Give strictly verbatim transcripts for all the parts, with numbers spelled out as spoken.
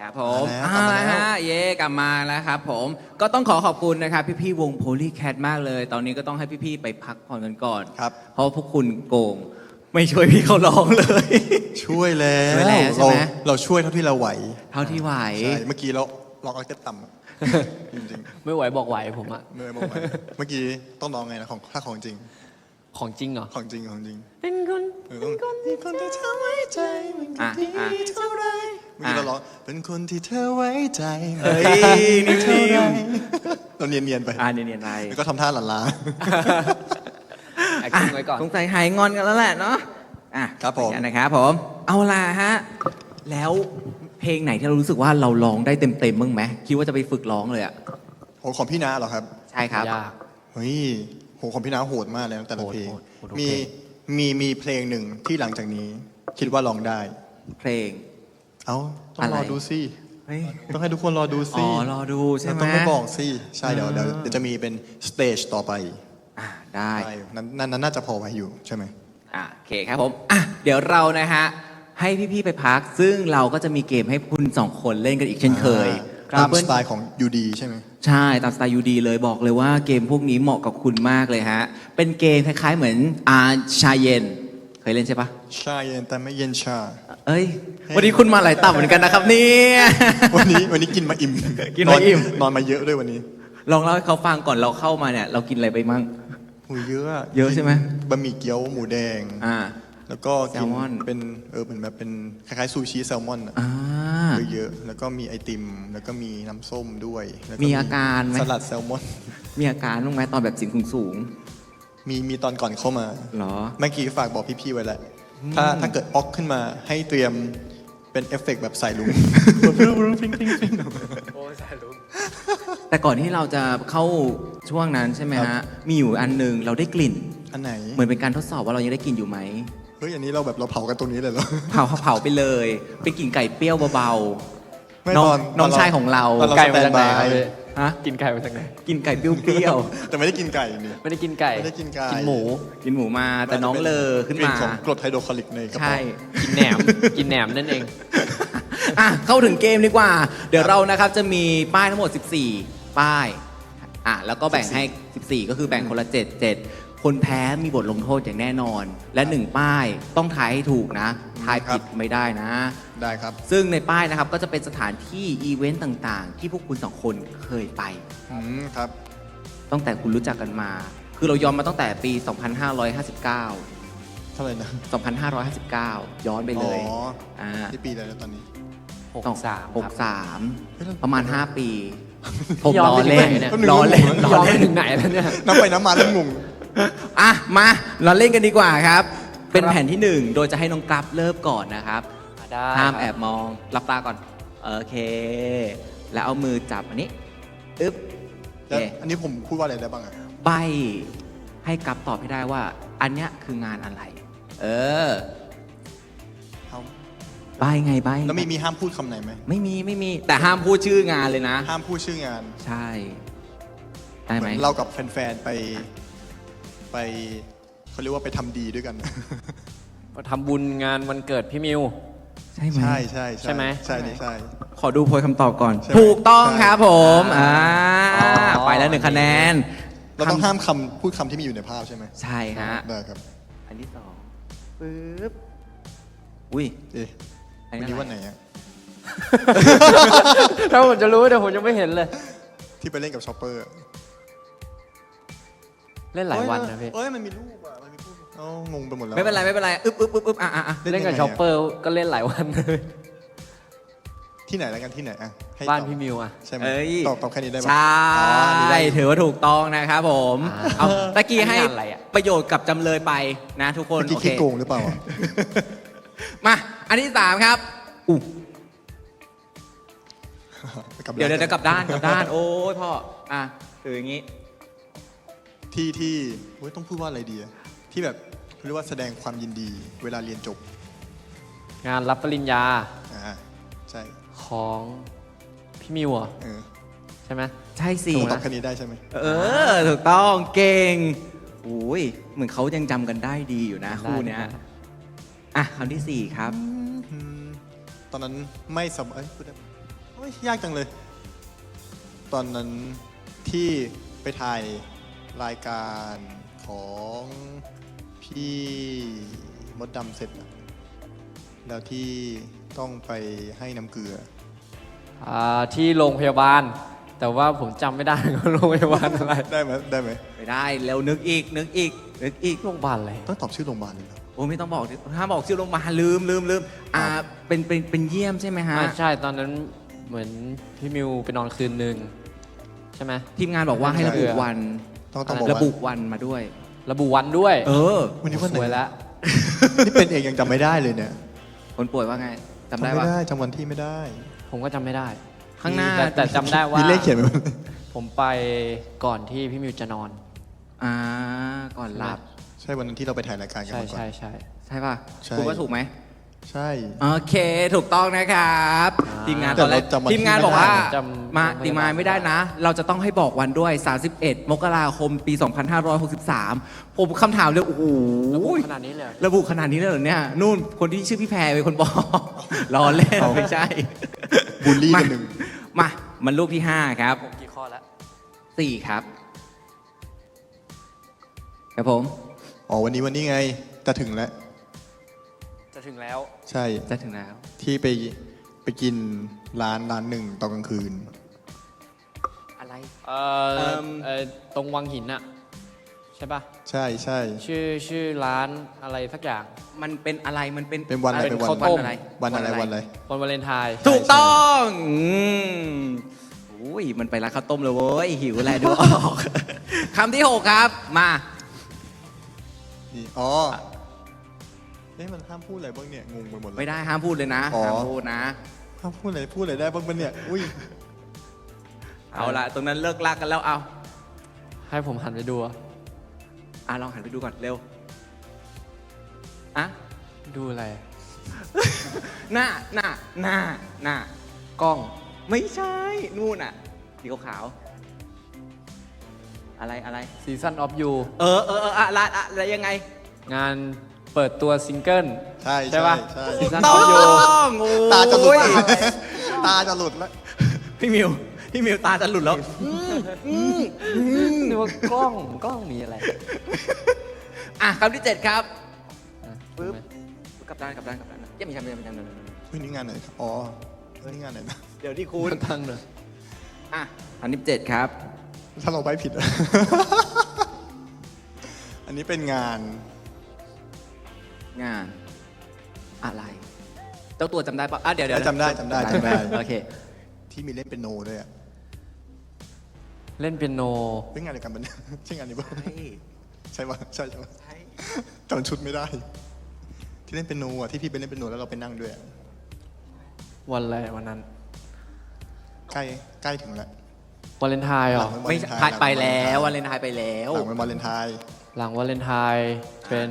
ครับผมเอามาละแล้วฮะเย่กลับมาแล้วครับผมก็ต้องขอขอบคุณนะครับพี่ๆวง Polycat มากเลย ตอนนี้ก็ต้องให้พี่ๆไปพักผ่อนกันก่อนครับเพราะว่าพวกคุณโกง ไม่ช่วยพี่เขาร้องเลยช่วยแล้วช่วยแล้วใช่เราไหมเราช่วยเท่าที่เราไหวเท่าที่ไหวใช่เมื่อกี้เราลองเอาเต็ต่ำอะจริงไม่ไหวบอกไหวผมอะๆเมื่อบอกไว้เมื่อกี้ต้องลองไงนะของถ้าของจริงของจริงเหรอของจริงของจริงเป็นคนเออต้องมีคนที่เธอไว้ใจมันก็อ่ะดีอ่ะเท่าไรเมื่อกี้เราร้องเป็นคนที่เธอไว้ใจเฮ้ยนิ่เท่าไรมเราเนียนๆไปๆอ่าเนียนๆไปแล้วก็ทำท่าหลั่นล้าแอคชั่นไว้ก่อนสงสัยหายงอนกันแล้วแหละเนาะอ่ะครับผมอย่างนั้นนะครับผมเอาล่ะฮะแล้วเพลงไหนที่เรารู้สึกว่าเราร้องได้เต็มๆบ้างไหมคิดว่าจะไปฝึกร้องเลยอ่ะโหของพี่นาเหรอครับใช่ครับยากเฮ้ยโหของพี่นาโหดมากเลยนะแต่ละโหดเพลงโหดโหดทุกมีเพลงมีมีเพลงหนึ่งที่หลังจากนี้ คิดว่าร้องได้เพลงเอ้าต้องอะไรรอดูสิเฮ้ยต้องให้ทุกคนรอดูอ๋สิอรอดูใช่เราไหมต้องไม่บอกสิใช่เดี๋ยวอ่าเดี๋ยวเดี๋ยวจะมีเป็นสเตจต่อไปอ่ะได้ใช่นั้นนั้นนั้นน่าจะพอไว้อยู่ใช่ไหมอ่ะโอเคครับผมอ่ะเดี๋ยวเรานะฮะให้พี่ๆไปพัก ซึ่งเราก็จะมีเกมให้คุณสองคนเล่นกันอีกเช่นเคยตามเพื่สอนไตล์ของยูดีใช่ไหมใช่ตามสไตล์ยูดีเลยบอกเลยว่าเกมพวกนี้เหมาะกับคุณมากเลยฮะเป็นเกมคล้ายๆเหมือนอาชาเย็น เคยเล่นใช่ปะชาเย็นแต่ไม่เย็นชาเอ้ย วันนี้คุณมาหลายตับเหมือนกันนะครับเนี่ยวันนี้วันนี้กินมาอิ่มกินมาอิ่มนอนมาเยอะด้วยวันนี้ลองเล่าให้เขาฟังก่อนเราเข้ามาเนี่ย เรากินอะไรไปมั่งหูเยอะเยอะใช่ไหมบะหมี่เกี๊ยวหมูแดงอ่าแล้วก็กิแซลมอนเป็นเออเหมือนแบบเป็นคล้ายๆซูชิแซลมอนอะอ่าเยอะๆแล้วก็มีไอติม แล้วก็มีน้ำส้มด้วยแล้วมีอาการไหมสลัดแซลมอนมีอาการบ้างไหมตอนแบบเสิงสูงมีมีตอนก่อนเข้ามาๆเหรอเมื่อกี้ฝากบอกพี่ๆไว้แล้วถ้าถ้าเกิดออกขึ้นมาให้เตรียมเป็นเอฟเฟกต์แบบสายลุงโอ้สายลุกแต่ก่อนที่เราจะเข้าช่วงนั้นใช่ไหมครัฮะบมีอยู่อันหนึ่งเราได้กลิ่นอันไหนเหมือนเป็นการทดสอบว่าเรายังได้กลิ่นอยู่ไหมเฮ้ยอันนี้เราแบบเราเผากันตรงนี้เลยเหรอเผาเผาไปเลย เป็นกลิ่นไก่เปรี้ยวเบาไม่น้องตอนน้องตเรชายของเราตอนเราไก่สแตมาน จากไหนบายครับพี่ๆฮะกินไก่มาจากไหนกินไก่เปรี้ยวแต่ไม่ได้กินไก่นี่ไม่ได้กินไก่ไม่ได้กินไก่กินหมูๆ กินหมูมาแต่น้องเลอขึ้นกลิ่มาของกรดไฮโดรคลอริกในกระใช่เพาะกินแหนม กินแหนมนั่นเองอ่ะเข้าถึงเกมดีกว่า เดี๋ยวเรานะครับจะมีป้ายทั้งหมด สิบสี่ ป้ายอ่ะแล้วก็แบ่งให้ สิบสี่ ก็คือแบ่งคนละ เจ็ด เจ็ด คนแพ้มีบทลงโทษอย่างแน่นอน และหนึ่งป้ายต้องทายให้ถูกนะ ทายผิดไม่ได้นะได้ครับซึ่งในป้ายนะครับก็จะเป็นสถานที่อีเวนต์ต่างๆ ที่พวกคุณสองคนเคยไปอืมครับตั้งแต่คุณรู้จักกันมา คือเราย้อนมาตั้งแต่ปี สองพันห้าร้อยห้าสิบเก้าเท่าไหร่นะสองพันห้าร้อยห้าสิบเก้า ย้อนไปเลยอ๋ออ่าที่ปีอะไรแล้วตอนนี้หกสามหกครับสามเฮ้ยเราประมาณ ห้า ปี ผมย้อนล้อไปถึงเล่นไหนเนี่ยล้อเล่นย้ล้ย้ออนไปเล่นถึงไหนแล้วเนี่ยน้ำไปน้ำมาแล้วงงอ่ะ มาเราเล่นกันดีกว่าครับ เป็นครับแผ่นที่หนึ่งโดยจะให้น้องกราฟเริ่มก่อนนะครับได้ห้ามครับแอบมองหลับตาก่อน โอเค แล้วเอามือจับอันนี้อึ๊บโอแล้วเคอันนี้ผมพูดว่าอะไรได้บ้างอะใบให้กราฟตอบให้ได้ว่า อันเนี้ยคืองานอะไร เออเอาใบไงใบแล้วมีมีห้ามพูดคำไหนไหมไม่มีไม่มี แต่ห้ามพูดชื่องานเลยนะห้ามพูดชื่องานใช่ ได้เหไหมมือนเรากับแฟนๆไปไปเขาเรียกว่าไปทำดีด้วยกันทำบุญงานวันเกิดพี่มิวใช่ไหมใช่ใช่ใช่ไหมใช่นี่ใช่ขอดูโพยคำตอบก่อนใช่ไหมถูกต้องใช่ครับผม อ่าอ๋อไปแล้วหนึ่งคะแนนเราต้องห้ามคำพูดคำที่มีอยู่ในภาพใช่ไหมใช่ฮะได้ครับอันที่สองปึ๊บ อุ้ยเอ๊ะอันวันนี้นี้อะไรวันไหนอะถ้าผมจะรู้แต่ผมยังไม่เห็นเลยที่ไปเล่นกับช็อปเปอร์เล่นหลายวันนะพี่เอ้ยมันมีรูปอะมันมีรูปเอ้างงไปหมดแล้วไม่เป็นไรไม่เป็นไร อึ๊บอึ๊บอึ๊บอึ๊บอ่ะอ่ะอ่ะเล่นเล่นกับยังไงอะช็อปเปอร์ก็เล่นหลายวันเลยที่ไหนแล้วกันที่ไหนอะให้บ้านตอบพี่มิวอ่ะใช่ไหมเอ้ยตอบตอบแค่นี้ได้ไหมใช่อ๋ออันนี้ได้ถือว่าถูกต้องนะครับผมอ่าเอาตะกี้ให้อันนี้งานอะไรอะประโยชน์กับจำเลยไปนะทุกคนเมื่อกี้โอเคคิดโกงหรือเปล่าอะมา อันที่สามครับอู้กลับเดี๋ยวแล้เดี๋ยวกลับด้านกลับด้าน โอ้ยพ่อ อ่ะถืออย่างงี้ที่ที่เฮ้ยต้องพูดว่าอะไรดีอะที่แบบเรียกว่าแสดงความยินดี เวลาเรียนจบงานรับปริญญาอ่าใช่ของพี่มิวเหรอเออใช่ไหมใช่สิตอบแค่นี้ได้ใช่ไหมเออ ถูกต้องเก่งอุ้ยเหมือนเขายังจำกันได้ดีอยู่นะได้คู่เนี้ยได้อ่ะคำที่สี่ครับอืมตอนนั้นไม่สบายเอ้ยพูดได้ปะฮ้ยยากจังเลย ตอนนั้นที่ไปถ่ายรายการของพี่มดดำเสร็จอะแล้วที่ต้องไปให้น้ำเกลืออ่าที่โรงพยาบาล แต่ว่าผมจำไม่ได้ว่าโรงพยาบาลอะไรได้ไหมได้ไหมไม่ได้แล้วนึกอีกนึกอีกนึกอีกโรงพยาบาลอะไรต้องตอบชื่อโรงพยาบาลเลยเหรอโอ้ไม่ต้องบอกดิถ้าบอกชื่อโรงพยาบาลลืมลืมลืมอ่าเป็นเป็นเป็นเยี่ยมใช่ไหมฮะอ่าใช่ตอนนั้นเหมือนพี่มิวไปนอนคืนหนึ่งใช่ไหมทีมงานบอกว่าให้ระบุวันต้องต้องบอกระว่าบุวันมาด้วยระบุวันด้วยเออวันนี้วันไหนสวยแล้วนี่เป็นเองยังจำไม่ได้เลยเนี่ยคนป่วยว่าไงจำจำได้ไม่ว่าได้จำวันที่ไม่ได้ผมก็จำไม่ได้ข้างหน้าแต่แต่จำได้ว่ามีเลขเขียนไว้ไหมผมไปก่อนที่พี่มิวจะนอนอ่าก่อนหลับใช่วันนั้นที่เราไปถ่ายรายการกันใช่มาก่อนใช่ใช่ใช่ป่ะใช่คุณว่าถูกไหมใช่โอเค ถูกต้องนะครับอ่าทีมงานแต่ตอนแรกเราจำวันที่ทีมงานบอกว่าไม่ได้จำมาจำไม่ได้ทีมงานไม่ได้นะ เราจะต้องให้บอกวันด้วย สามสิบเอ็ด มกราคม ปี สองพันห้าร้อยหกสิบสาม ผมคำถามเลย โอ้โหระบุขนาดนี้เลยเหรอระบุขนาดนี้เลยเหรอเนี่ย นู่นคนที่ชื่อพี่แพรเป็นคนบอก รอเล่นเอาไม่ใช่บูลลี่กันหนึ่งมา มันลูกที่ห้าครับผมกี่ข้อแล้วสี่ครับ ครับผมอ๋อวันนี้วันนี้ไงจะถึงแล้วจะถึงแล้วใช่จะถึงแล้วที่ไปไปกินร้านร้านหนึ่งตอนกลางคืนอะไรเอ่อเอิ่มเอ่อตรงวังหินอะใช่ป่ะใช่ใช่ชื่อชื่อร้านอะไรสักอย่างมันเป็นอะไร มันเป็นเป็นวันอะไรเป็นเป็นวันข้าวต้มอะไรวันอะไรวันอะไรวันวาเลนไทน์ถูกต้องอืมอุ้ย มันไปร้านข้าวต้มเลยเว้ย หิวอะไรดูออก คำที่หกครับ มานี่อ๋อเอ๊ะมันห้ามพูดอะไรบ้างเนี่ยงงไปหมดเลยไม่ได้ห้ามพูดเลยนะอ๋อห้ามพูดนะห้ามพูดอะไรพูดอะไรได้บ้างปะเนี่ยอุ้ยเอาละตรงนั้นเลิกลากกันแล้ว เอาให้ผมหันไปดูอะอ่ะลองหันไปดูก่อน เร็ว อ่ะดูอะไรหน้า หน้า หน้า หน้ากล้องไม่ใช่ นู่นอ่ะสีขาวๆอะไร อะไร Season of You เออเออเอออะไรอะไรยังไงงานเปิดตัวซิงเกิลใช่ใช่ปะใช่ถูก Season ต้ of You องโอ้ยตาจะหลุดแล้วตาจะหลุดแล้วพี่มิว พี่มิวตาจะหลุดแล้วนึกว่ากล้องกล้องมีอะไรอ่ะคำที่เจ็ดครับอ่ะปึ๊บถูกไหมกลับด้านกลับด้านกลับด้านเยังไม่ใช่ไม่ใช่ไม่ใช่ไม่ใช่เฮ้ยนี่งานไหนครับอ๋อเฮ้ยนี่งานไหนนะเดี๋ยวที่คุณตั้งเลยอ่ะคำที่เจ็ดครับถ้าเราไปผิดอะ อันนี้เป็นงานงาน อะไร เจ้าตัวจำได้ปะอ่ะเดี๋ยวเดี๋ยวจำได้จำได้จำได้โอเคที่มีเล่นเป็นโนด้วยอะเล่นเปียโนเป็นงานเดียวกันปะเนี่ยใช่งานนี้ปะใช่ใช่ปะใช่ใช่ปะใช่จำชุดไม่ได้ ที่เล่นเป็นโนอะที่พี่ไปเล่นเป็นโนแล้วเราไปนั่งด้วยอะวันอะไรวันนั้นใกล้ใกล้ถึงแล้ววาเลนไทน์เหรอหลังไม่วาเลนทน์ผ่านไปแล้วหวัลันงเลนไทน์ไปแล้วหลังวันวาเลนไทน์หลังวาเลนไทน์เป็น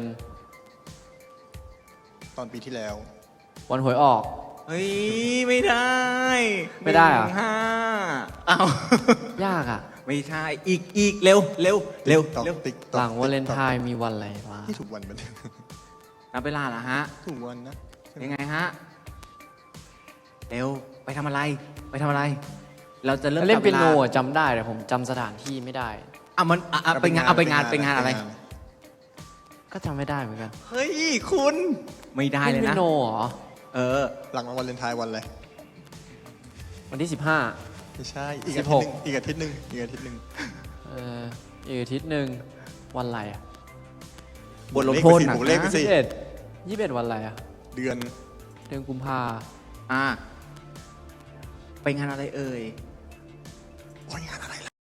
ตอนปีที่แล้ววันหวยออกเฮ้ย ไม่ได้ไม่ได้เหรอหนึ่งห้าอ้าวยากอ่ะไม่ใช่ อีกอีกเร็วเร็วเร็วติ๊กต๊อกเร็วติ๊กต๊อกหลังวาเลนไทน์มีวันอะไรวะที่ถูกวันมันยนับเวลาเหรอฮะถูกวันนะใช่ไหมยังไงฮะ เร็ว ไปทำอะไร ไปทำอะไร เราจะเริ่มเล่นเปียโนจับวลาอะจำได้แต่ผมจำสถานที่ไม่ได้อ่ะมันอ่ะอ่ะไปงานเอาไปงานไปงานอะไรก็จำไม่ได้เหมือนกันเฮ้ย คุณ ไม่ได้เลยเล่นเปีนะยโนเหรอเออหลังวันวาเลนไทน์วันอะไรวันที่สิบห้าไม่ใช่ อีกสิอาบทิหตกย์หนึ่งอีกอาทิตย์หนึ่งอีกอาทิตย์หนึ่งเอออีกอาทิตย์หนึ่งวันอะไรอ่ะบทลงโทษหนักบวกเลขไปนะสิยี่สิบเอ็ดยี่สิบเอ็ดวันอะไรอ่ะเดือนเดือนกุมภาอ่ะไปงานอะไรเอ่ยโอ้ยงานอะไรล่ะ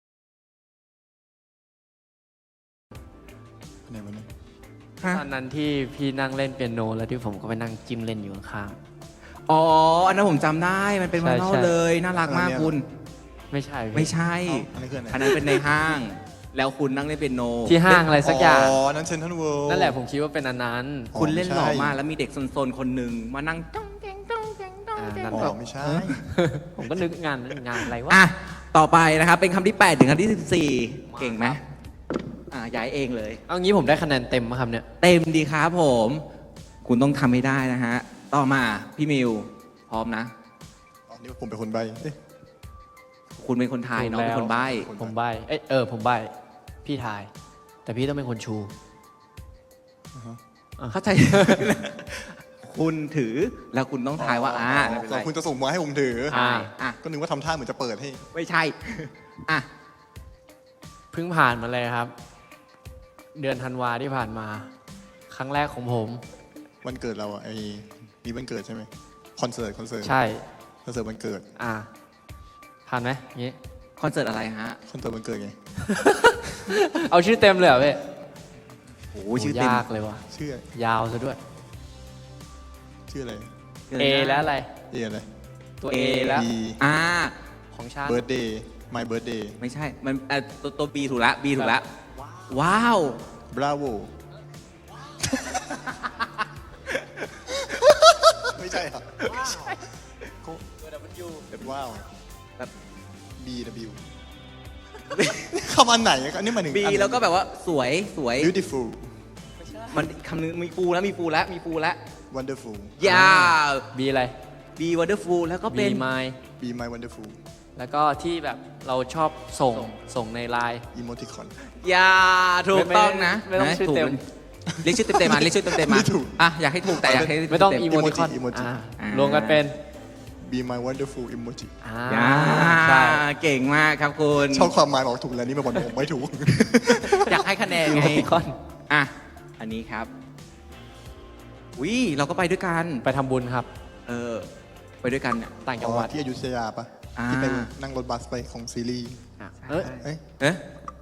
ไหนวะเนี่ยฮะตอนนั้นที่พี่นั่งเล่นเปียโนแล้วที่ผมก็ไปนั่งจิ้มเล่นอยู่ข้างอ๋อ อันนั้นผมจำได้ มันเป็นใช่วันนอลใช่เลย น่ารักมากคุณๆไม่ใช่พี่ไม่ใช่เอ้าอันนี้คืออะไรอันนั้นเป็นในห้าง แล้วคุณนั่งเล่นเปียโนที่ห้างอะไรสักอย่างอ๋อ นั้นเซนทรัลเวิลด์นั่นแหละผมคิดว่าเป็นอันนั้นอ๋อคุณเล่นหล่อไม่ใช่มาก แล้วมีเด็กซนๆ คนหนึ่งมานั่งจ้องแจงจ้องแจงจ้องแจงอ่านั่นอ๋อไม่ใช่ผมก็นึกงานงานอะไรวะอ่ะ ต่อไปนะครับ เป็นคำที่แปดถึงคำที่สิบสี่เก่งไหมอ่ะย้ายเองเลยเอางี้ผมได้คะแนนเต็มมาครับเนี่ยเต็มดีครับผม คุณต้องทำให้ได้นะฮะ ต่อมา พี่มิว พร้อมนะอ๋อนี่ผมเป็นคนใบ้เอ๊ะคุณเป็นคนทายน้องเป็นคนใบ้ผมใบเอ้ยเออผมใบพี่ทาย แต่พี่ต้องเป็นคนชูเข้าใจ คุณถือแล้วคุณต้องทายว่าอ่าไม่เป็นอ๋ไรอคุณจะส่งมาให้ผมถือใช่อ่ะก็นึกว่าทำท่าเหมือนจะเปิดให้ไม่ใช่ อ่ะเพิ่งผ่านมาเลยครับ เดือนธันวาที่ผ่านมา ครั้งแรกของผมวันเกิดเราอะไอ้มีวันเกิดใช่ไหมคอนเสิร์ตคอนเสิร์ตใช่คอนเสิร์ตวันเกิดอ่าผ่านไหมงี้คอนเสิร์ตอะไรฮะคอนเสิร์ตวันเกิดไงเอาชื่อเต็มเลยเหรอพี่โอ้ชื่อเต็มยากเลยวะชื่อยาวซะด้วยชื่ออะไร A แล้วอะไรเออะไรตัว A แล้ว B อ่าของชาติ birthday my birthday ไม่ใช่ มันเอ่อตัวตัว B ถูกละ B ถูกละว้าว bravo ไม่ใช่เหรอไม่ใช่ว้าวแบบ B W คำอันไหนอันนี้หมายถึง B แล้วก็แบบว่าสวยสวย beautiful มันคำนึงมีฟูแล้วมีฟูแล้วมีฟูแล้ว wonderful ยา B อะไร B wonderful แล้วก็ B เป็น my be my wonderful แล้วก็ที่แบบเราชอบส่งส่งในไลน์ emoticon ยาถูกต้องนะไม่ไม่ต้องนะชื่อถูกเต็มเรียกชื่อเต็มๆมาเรียกชื่อเต็มๆมาไม่ถูกอ่ะอยากให้ถูกแต่อยากให้ไม่ต้องเต็อีมโมติคอน emoji อ่าอ่ารวมกันเป็น be my wonderful emoji อ่าๆยาใช่เก่งมากครับคุณชอบความหมายบอกถูกแล้วนี่มาบอกผมไม่ถูกอยากให้คะแนนอีไงโมติคอนอ่ะอันนี้ครับวิเราก็ไปด้วยกันไปทำบุญครับเออไปด้วยกันเนี่ยต่างจังหวัดที่อยุธยาปะอ่าที่ไปนั่งรถบัสไปของซีรีส์อ่ะเอ้ยเอ้ยเอ๊ะ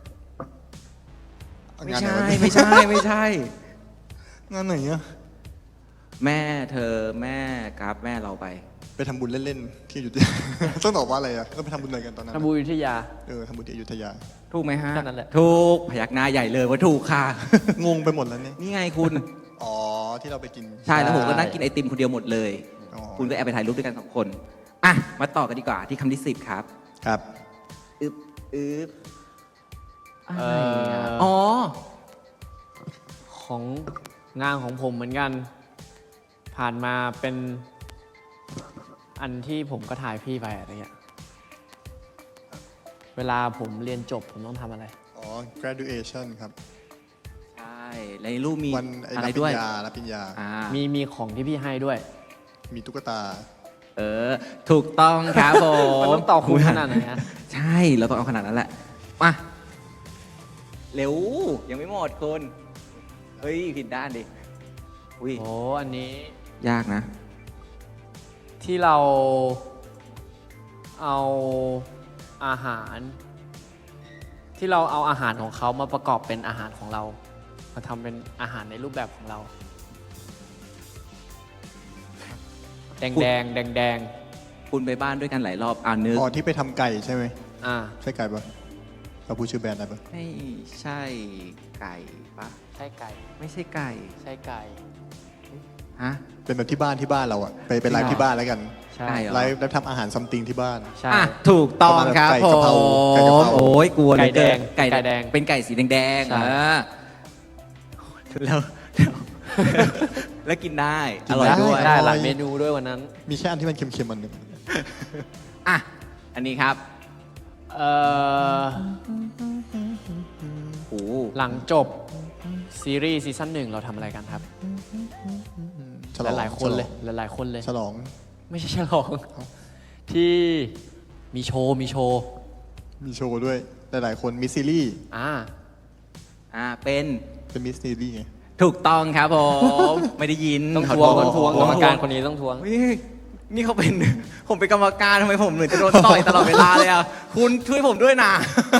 งานไม่ไหนใช่วะเนี่ยไม่ใช่ไม่ใช่งานไหนอะแม่เธอแม่กราฟแม่เราไปไปทำบุญเล่นๆที่อยุธยา ต้องตอบว่าอะไรอะก็ไปทำบุญอะไรกันตอนนั้นทำบุญอยุธยาเออทำบุญที่อยุธยาถูกไหมฮะแค่นั้นแหละถูกพยักหน้าใหญ่เลยว่าถูกค่ะงงไปหมดแล้วเนี่ยนี่ไงคุณอ๋อที่เราไปกินใช่แล้วผมก็นั่งกินไอติมคนเดียวหมดเลยอ๋อคุณก็แอบไปถ่ายรูปด้วยกันสองคนอ่ะมาต่อกันดีกว่าที่คำที่สิบครับครับอึบอึบอะไรเอ่อ่ะออ๋อของงานของผมเหมือนกัน ผ่านมาเป็นอันที่ผมก็ถ่ายพี่ไปอะไรเงี้ยเวลาผมเรียนจบผมต้องทำอะไรอ๋อ graduation ครับใช่ในรูปมีวันไอ้อะรับไรปริด้วยญญารับปริญญาอ่ามีมีของที่พี่ให้ด้วยมีตุ๊กตาเออ ถูกต้องครับผมมันต้องตอบคุ้มขนาดไหนฮะใช่เราต้องเอาขนาดนั้นแหละมาเร็วยังไม่หมดคุณเฮ้ยผิดด้านดิอุ้ยโอ้อันนี้ยากนะที่เราเอาอาหาร ที่เราเอาอาหารของเขามาประกอบเป็นอาหารของเรา มาทำเป็นอาหารในรูปแบบของเรา แดงแดงแดงแดงคุณไปบ้านด้วยกันหลายรอบอ่านนึกอ๋อที่ไปทำไก่ใช่ไหมๆอ่าใช่ไก่ปะเราพูดชื่อแบรนด์อะไรปะไม่ใช่ไก่ปะใช่ไก่ไม่ใช่ไก่ใช่ไก่ฮะเป็นแบบที่บ้านที่บ้านเราอะไปไปไลฟ์ที่บ้านแล้วกันใช่ไก่เหรอไลฟ์แล้วทำอาหารซัมติงที่บ้านใช่อ่ะถูกต้องครับไก่ผกะเพราม ไก่กะเพราโอ้ยกลัวเหลือเกินไก่แดงไก่แดงเป็นไก่สีแดงๆใช่เออแล้วแล้วแล้วกินได้อร่อยด้วยได้หลายเมนูด้วยวันนั้นมีแค่อันที่มันเค็มๆมันหนึ่งอ่ะอันนี้ครับเอ่อโอ้โหหลังจบซีรีส์ซีซั่นหนึ่งเราทำอะไรกันครับฉลองหลายๆคนเลยหลายๆคนเลยฉลองไม่ใช่ฉลอง ที่มีโชว์มีโชว์มีโชว์ด้วยหลายๆคนมีซีรีส์อ่าอ่าเป็นเป็นมิสซีรีส์ไงถูกต้องครับผม ไม่ได้ยินต้องขทวงโษต้องทวงต้กรองรมทวงการคนนี้ต้องทวงเฮ้ยนี่เขาเป็น ผมเป็นกรรมการทำไมผมเหมือนจะโดนต่อยตลอดเวลาเลยอ่ะ คุณช่วยผมด้วยนะ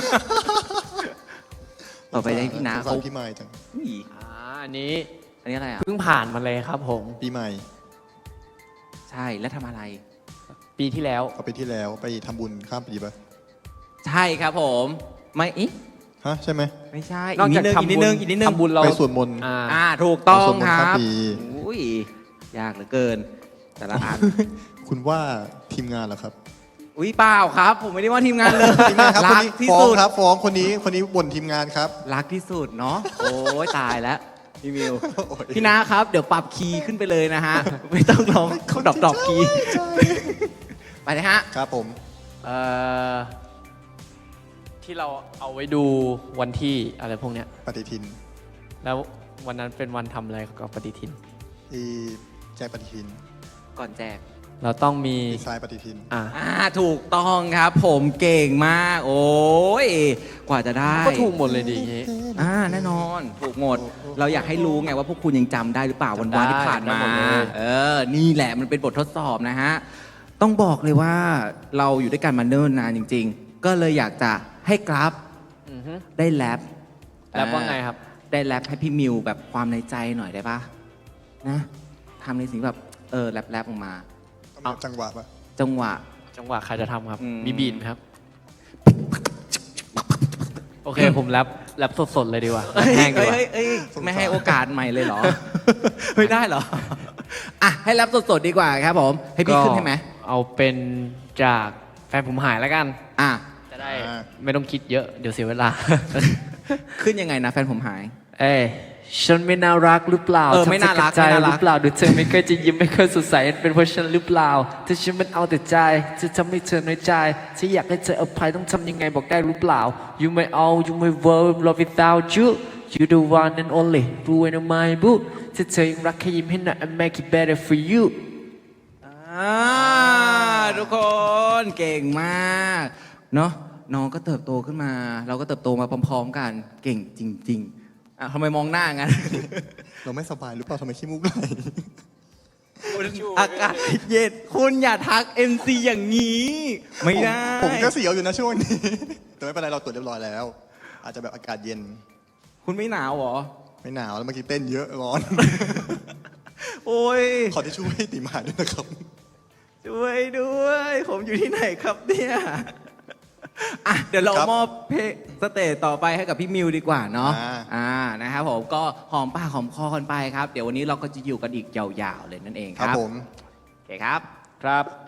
ต่อไปได้พี่นาสงสาเขารพี่ไม้จังอุ้ยอ่าอันนี้อันนี้อะไรอ่ะเพิ่งผ่านมาเลยครับผมปีใหม่ใช่แล้วทำอะไรปีที่แล้วเอาไปที่แล้วไปทำบุญข้ามปีปะใช่ครับผม ไม่อิฮะใช่ไหมไม่ใช่นอกอีกนิจากดนึงอีกนิดนึงทำบุญอีกนิดนึงทำบุญเราไปสวดมนต์อ่าอ่าถูกต้องสวดมนคต์รัข้ามบปีอุ้ยยากเหลือเกิน แต่ละอันคุณว่าทีมงานเหรอครับอุ้ยเปล่าครับ ผมไม่ได้ว่าทีมงานเลยทีมงานครับคนรักนี้ที่ฟ้องสุดครับฟ้องคนนี้คนนี้บ่นทีมงานครับรักที่สุดเนาะโอ้ยตายแล้วพี่มิวโอ้ยพี่นาครับ เดี๋ยวปรับคีย์ขึ้นไปเลยนะฮะ ไม่ต้องร้องเขาดรอปดรอปคีย์ไปเลยฮะครับผมเอ่อที่เราเอาไว้ดูวันที่อะไรพวกเนี้ยปฏิทินแล้ววันนั้นเป็นวันทำอะไรกับปฏิทินอีแจกปฏิทินก่อนแจกเราต้องมีดีไซน์ปฏิทินอ่ะอ่าถูกต้องครับผมเก่งมาก โอ้ยกว่าจะได้ก็ถูกหมดเลยดีอย่างงี้อ่าแน่นอนถูกหมด เราอยากให้รู้ไงว่าพวกคุณยังจำได้หรือเปล่าวันวานที่ผ่านมาจำได้หมดเลยเออ นี่แหละมันเป็นบททดสอบนะฮะ ต้องบอกเลยว่าเราอยู่ด้วยกันมาเนิ่นนานจริง ๆ ก็เลยอยากจะให้กราฟอือฮึได้แรปแรปว่าไงครับได้แรปให้พี่มิวแบบความในใจหน่อยได้ปะนะทำในสิ่งแบบเออแรปแรปออกมาเอาจังหวะปะจังหวะจังหวะใครจะทำครับอืมมีบีทไหมครับ โอเค ผมแรปแรปสดๆเลยดีกว่าเอ้ยแห้งดีกว่าเอ้ยเอ้ยเอ้ยไม่ให้โอกาสใหม่เลยเหรอ ไม่ได้เหรอ อ่ะ ให้แรปสดๆดีกว่าครับผม ให้พี่ขึ้นให้ไหมเอาเป็นจากแฟนผมหายแล้วกันอ่ะจะได้ไม่ต้องคิดเยอะ เดี๋ยวเสียเวลาขึ้นยังไงนะแฟนผมหายเอ้ยฉันไม่น่ารักหรือเปล่าเออไม่น่ารักทำใจไม่น่ารักหรือเปล่าดูเธอไม่เคยจะยิ้มไม่เคยสดใสเป็นเพราะฉันหรือเปล่าถ้าฉันมันเอาแต่ใจจะทำให้เธอน้อยใจฉันอยากให้เธออภัยต้องทำยังไงบอกได้หรือเปล่า You may all you may world love without you You the one and only blue and my blue ถ้าเธอยังรักแค่ยิ้มให้หน่อย I make it better for you อ่าทุกคน เก่งมาก เนาะน้องก็เติบโตขึ้นมา เราก็เติบโตมาพร้อมๆกัน เก่งจริง ๆ อ่ะทำไมมองหน้างั้นเราไม่สบายหรือเปล่าทำไมขี้มูกไหลอากาศเย็นคุณอย่าทัก เอ็ม ซี อย่างนี้ ไม่ได้ผมก็เสียวอยู่นะช่วงนี้ แต่ไม่เป็นไรเราตรวจเรียบร้อยแล้ว อาจจะแบบอากาศเย็นคุณไม่หนาวเหรอไม่หนาวแล้วเมื่อกี้เต้นเยอะร้อนโอ้ยขอที่ช่วยติมาด้วยนะครับช่วยด้วย ผมอยู่ที่ไหนครับเนี่ย อ่ะ เดี๋ยวเราครับมอบเพลงสเตจต่อไปให้กับพี่มิวดีกว่าเนาะอ่าอ่า นะครับผม ก็หอมปากหอมคอกันไปครับ เดี๋ยววันนี้เราก็จะอยู่กันอีกยาวๆเลยนั่นเองคครับ รับผมโอเคครับครับ